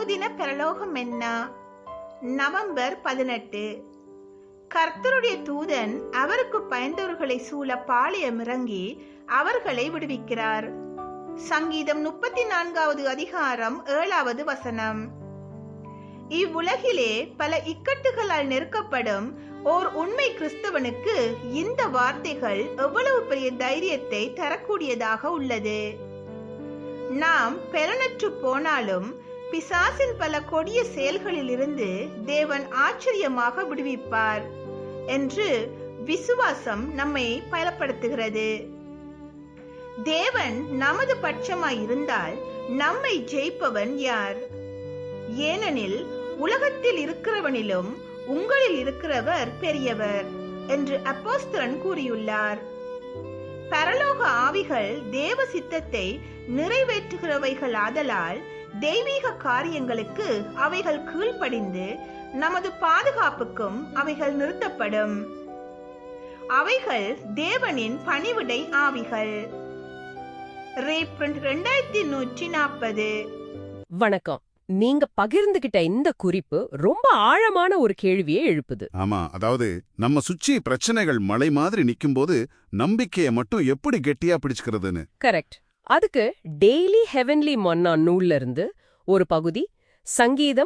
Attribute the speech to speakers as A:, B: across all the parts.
A: அனுதின பரலோகம் என்ன? நவம்பர் 18. கர்த்தருடைய தூதன் அவருக்கு பயந்தவர்களை சூழ பாளையம் இறங்கி அவர்களை விடுவிக்கிறார். சங்கீதம் 34வது அதிகாரம் 7வது வசனம். இவ்வுலகிலே பல இக்கட்டுகளால் நெருக்கப்படும் ஓர் உண்மை கிறிஸ்தவனுக்கு இந்த வார்த்தைகள் எவ்வளவு பெரிய தைரியத்தை தரக்கூடியதாக உள்ளது. நாம் பெலனற்று போனாலும் பிசாசின் பல கொடிய செயல்களில் இருந்து தேவன் ஆச்சரியமாக விடுவிப்பார் என்று விசுவாசம் நம்மை பலப்படுத்துகிறது. தேவன் நமது பட்சமாய் இருந்தால் நம்மை ஜெயிப்பவன் யார்? ஏனெனில் உலகத்தில் இருக்கிறவனிலும் உங்களில் இருக்கிறவர் பெரியவர் என்று அப்போஸ்தலன் கூறியுள்ளார். பரலோக ஆவிகள் தேவ சித்தத்தை நிறைவேற்றுகிறவைகள் ஆதலால் தெய்வீக காரியங்களுக்கு அவைகள் கீழ்ப்படிந்து நமது பாதுகாப்புக்கும் அவைகள் நிறுத்தப்படும். அவைகள் தேவனின் பணிவிடை ஆவிகள். ரீப்ரிண்ட் 2140.
B: வணக்கம். நீங்க பகிர்ந்துகிட்ட இந்த குறிப்பு ரொம்ப ஆழமான ஒரு கேள்வியை எழுப்புது.
C: ஆமா, அதாவது நம்ம சுற்றி பிரச்சனைகள் மலை மாதிரி நிக்கும்போது நம்பிக்கையை மட்டும் எப்படி கெட்டியா பிடிச்சுக்கிறதுன்னு.
B: கரெக்ட். அதுக்கு டெய்லி ஹெவன்லி மன்னா நூல்ல இருந்து ஒரு பகுதி சங்கீதம்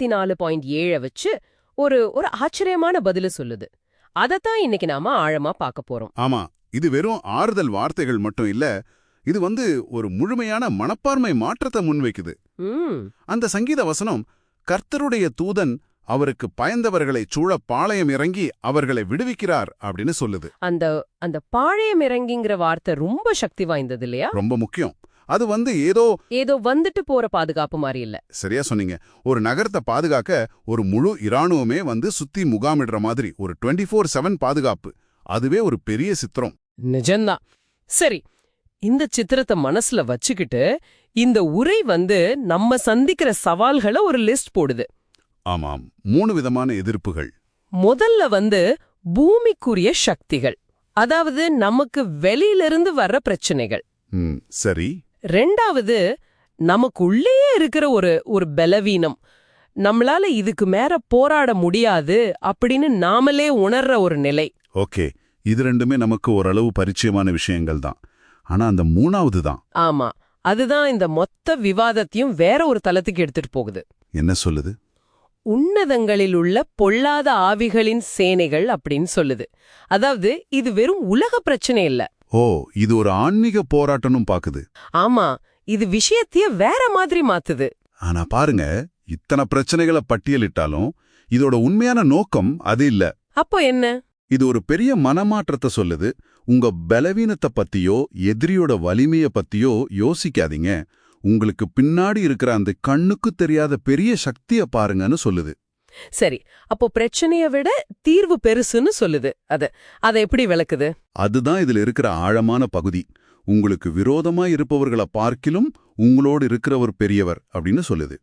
B: 34.7 வச்சு ஒரு ஆச்சரியமான பதில சொல்லுது. அதத்தான் இன்னைக்கு நாம ஆழமா பார்க்க போறோம்.
C: ஆமா, இது வெறும் ஆறுதல் வார்த்தைகள் மட்டும் இல்ல, இது ஒரு முழுமையான மனப்பான்மை மாற்றத்தை முன்வைக்குது. அந்த சங்கீத வசனம் கர்த்தருடைய தூதன் அவருக்கு பயந்தவர்களை சூழ பாளையம் இறங்கி அவர்களை விடுவிக்கிறார் அப்படின்னு சொல்லுது.
B: அந்த பாளையம் இறங்கிங்கிற வார்த்தை ரொம்ப சக்தி வாய்ந்தது இல்லையா?
C: ரொம்ப முக்கியம். அது ஏதோ
B: வந்துட்டு போற பாதுகாப்பு மாதிரி இல்ல.
C: சரியா சொன்னீங்க. ஒரு நகரத்தை பாதுகாக்க ஒரு முழு இராணுவமே சுத்தி முகாமிடுற மாதிரி ஒரு 24/7 பாதுகாப்பு. அதுவே ஒரு பெரிய சித்திரம்.
B: நிஜம்தான். சரி, இந்த சித்திரத்தை மனசுல வச்சுக்கிட்டு இந்த உரை நம்ம சந்திக்கிற சவால்களை ஒரு லிஸ்ட் போடுது.
C: ஆமாம், 3 விதமான எதிர்ப்புகள்.
B: முதல்ல பூமிக்குரிய சக்திகள், அதாவது நமக்கு வெளியிலிருந்து வர்ற பிரச்சனைகள்.
C: சரி.
B: ரெண்டாவது நமக்குள்ளே இருக்கிற ஒரு பலவீனம், நம்மளால இதுக்கு மேல போராட முடியாது அப்படின்னு நாமளே உணர்ற ஒரு நிலை.
C: ஓகே, இது ரெண்டுமே நமக்கு ஓரளவு பரிச்சயமான விஷயங்கள் தான். ஆனா அந்த 3வது தான்.
B: ஆமா, அதுதான் இந்த மொத்த விவாதத்தையும் வேற ஒரு தளத்துக்கு எடுத்துட்டு போகுது.
C: என்ன சொல்லுது?
B: உன்னதங்களில் உள்ள பொல்லாத ஆவிகளின் சேனைகள் அப்படின்னு சொல்லுது. அதாவது இது வெறும் உலக பிரச்சனை இல்ல.
C: ஓ, இது ஒரு ஆன்மீக போராட்டம்னு பாக்குது.
B: ஆமா, இது விஷயத்தையே வேற மாதிரி மாத்துது.
C: ஆனா பாருங்க, இத்தனை பிரச்சனைகளை பட்டியலிட்டாலும் இதோட உண்மையான நோக்கம் அது இல்ல.
B: அப்போ என்ன?
C: இது ஒரு பெரிய மனமாற்றத்தை சொல்லுது. உங்க பலவீனத்தை பத்தியோ எதிரியோட வலிமைய பத்தியோ யோசிக்காதீங்க. உங்களுக்கு பின்னாடி இருக்கிற அந்த கண்ணுக்கு தெரியாத பெரிய சக்திய பாருங்கன்னு சொல்லுது.
B: சரி, அப்போ பிரச்சனைய விட தீர்வு பெருசுன்னு சொல்லுது. அதை எப்படி விளக்குது?
C: அதுதான் இதுல இருக்கிற ஆழமான பகுதி. உங்களுக்கு விரோதமா இருப்பவர்களை பார்க்கிலும் உங்களோடு இருக்கிறவர் பெரியவர் அப்படின்னு சொல்லுது.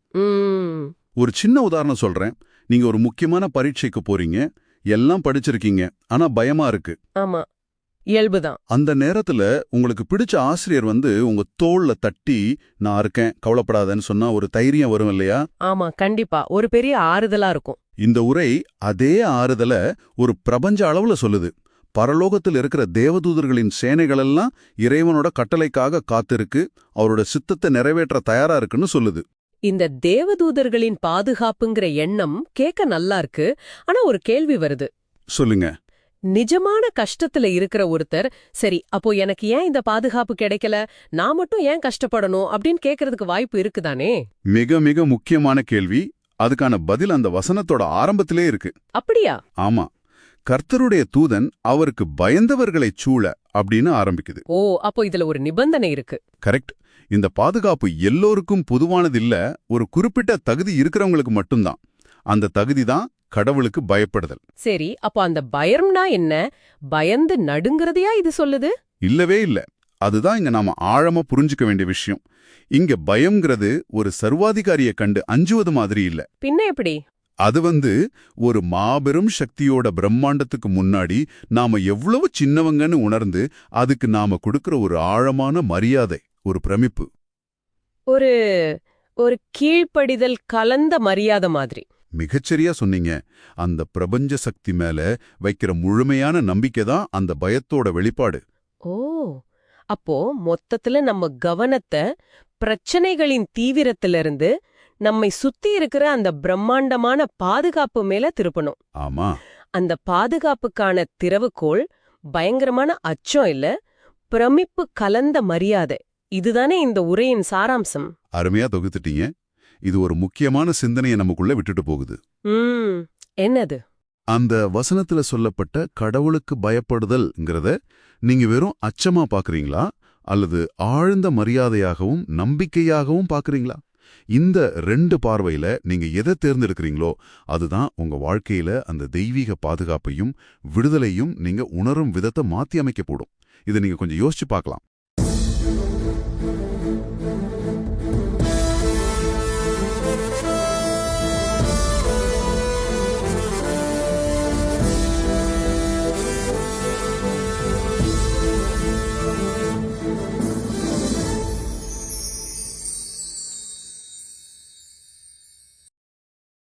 C: ஒரு சின்ன உதாரணம் சொல்றேன். நீங்க ஒரு முக்கியமான பரீட்சைக்கு போறீங்க. எல்லாம் படிச்சிருக்கீங்க, ஆனா பயமா இருக்கு.
B: ஆமா, இயல்புதான்.
C: அந்த நேரத்துல உங்களுக்கு பிடிச்ச ஆசிரியர் உங்க தோள்ல தட்டி நான் இருக்கேன் கவலைப்படாதன்னு சொன்னா ஒரு தைரியம் வரும் இல்லையா?
B: ஆமா, கண்டிப்பா ஒரு பெரிய ஆறுதலா இருக்கும்.
C: இந்த உரை அதே ஆறுதல ஒரு பிரபஞ்ச அளவுல சொல்லுது. பரலோகத்தில் இருக்கிற தேவதூதர்களின் சேனைகளெல்லாம் இறைவனோட கட்டளைக்காக காத்திருக்கு, அவரோட சித்தத்தை நிறைவேற்ற தயாரா இருக்குன்னு சொல்லுது.
B: இந்த தேவதூதர்களின் பாதுகாப்புங்கிற எண்ணம் கேட்க நல்லா இருக்கு. ஆனா ஒரு கேள்வி வருது.
C: சொல்லுங்க.
B: நிஜமான கஷ்டத்துல இருக்கிற ஒருத்தர், சரி அப்போ எனக்கு ஏன் இந்த பாதுகாப்பு கிடைக்கல, நான் மட்டும் ஏன் கஷ்டப்படணும் அப்படின்னு கேட்கறதுக்கு வாய்ப்பு இருக்குதானே?
C: மிக மிக முக்கியமான கேள்வி. அதுக்கான பதில் அந்த வசனத்தோட ஆரம்பத்திலே இருக்கு.
B: அப்படியா?
C: ஆமா, கர்த்தருடைய தூதன் அவருக்கு பயந்தவர்களைச் சூழ அப்படின்னு ஆரம்பிக்குது.
B: ஓ, அப்போ இதுல ஒரு நிபந்தனை இருக்கு.
C: கரெக்ட். இந்த பாதுகாப்பு எல்லோருக்கும் பொதுவானதில்ல, ஒரு குறிப்பிட்ட தகுதி இருக்கிறவங்களுக்கு மட்டும்தான். அந்த தகுதி தான் கடவுளுக்கு பயப்படுதல்.
B: சரி, அப்போ அந்த பயம்னா என்ன? பயந்து நடுங்கிறதையா இது சொல்லுது?
C: இல்லவே இல்ல. அதுதான் இங்க நாம ஆழமா புரிஞ்சுக்க வேண்டிய விஷயம். இங்க பயம்ங்கிறது ஒரு சர்வாதிகாரியை கண்டு அஞ்சுவது மாதிரி இல்ல.
B: பின்ன எப்படி?
C: அது ஒரு மாபெரும் சக்தியோட பிரம்மாண்டத்துக்கு முன்னாடி நாம எவ்வளவு சின்னவங்கன்னு உணர்ந்து அதுக்கு நாம கொடுக்கிற ஒரு ஆழமான மரியாதை, ஒரு பிரமிப்பு.
B: ஒரு ஒரு கீழ்ப்படிதல் கலந்த மரியாதை மாதிரி.
C: மிகச்சரியா சொன்னீங்க. அந்த பிரபஞ்ச சக்தி மேல வைக்கிற முழுமையான நம்பிக்கை தான் அந்த பயத்தோட வெளிப்பாடு.
B: ஓ, அப்போ மொத்தத்துல நம்ம கவனத்தை பிரச்சனைகளின் தீவிரத்திலிருந்து நம்மை சுத்தி இருக்கிற அந்த பிரம்மாண்டமான பாதுகாப்பு மேல திருப்பணும்.
C: ஆமா,
B: அந்த பாதுகாப்புக்கான திறவுகோள் பயங்கரமான அச்சம் இல்ல, பிரமிப்பு கலந்த மரியாதை. இதுதானே இந்த உரையின் சாராம்சம்.
C: அருமையா தொகுத்துட்டீங்க. இது ஒரு முக்கியமான சிந்தனையை நமக்குள்ள விட்டுட்டு போகுது.
B: என்னது?
C: அந்த வசனத்துல சொல்லப்பட்ட கடவுளுக்கு பயப்படுதல்ங்கிறத நீங்க வெறும் அச்சமா பாக்குறீங்களா, அல்லது ஆழ்ந்த மரியாதையாகவும் நம்பிக்கையாகவும் பாக்குறீங்களா? இந்த 2 பார்வையில நீங்க எதை தேர்ந்தெடுக்கிறீங்களோ அதுதான் உங்க வாழ்க்கையில அந்த தெய்வீக பாதுகாப்பையும் விடுதலையும் நீங்க உணரும் விதத்தை மாத்தி அமைக்க போடும். இதை நீங்க கொஞ்சம் யோசிச்சு பார்க்கலாம்.